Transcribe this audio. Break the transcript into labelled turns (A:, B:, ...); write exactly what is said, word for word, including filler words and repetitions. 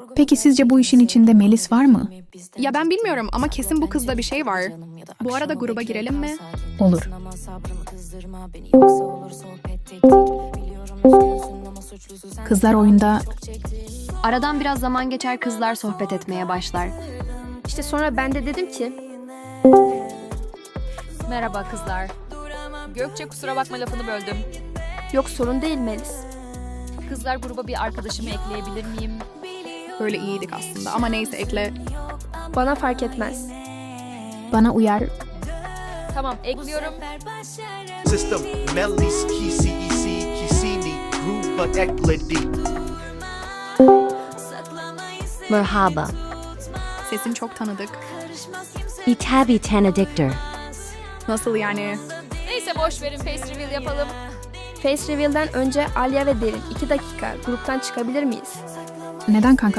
A: Peki sizce bu işin içinde Melis var mı?
B: Ya ben bilmiyorum ama kesin bu kızda bir şey var. Bu arada gruba girelim mi?
A: Olur. Kızlar oyunda
C: Aradan biraz zaman geçer, kızlar sohbet etmeye başlar.
D: İşte sonra ben de dedim ki
E: Merhaba kızlar. Gökçe kusura bakma lafını böldüm.
D: yok sorun değil Melis.
E: Kızlar gruba bir arkadaşımı ekleyebilir miyim?
B: Böyle iyiydik aslında ama neyse ekle.
D: Bana fark etmez.
A: bana uyar.
E: Tamam ekliyorum.
F: System Melis Kisi Isi Kisini Gruba Ekledi.
G: Merhaba.
B: Sesin çok tanıdık.
G: İtabi tanıdıktır.
B: Nasıl yani?
E: Neyse boş verin, face reveal yapalım.
D: Face reveal'den önce Alya ve Derin iki dakika gruptan çıkabilir miyiz?
A: Neden kanka?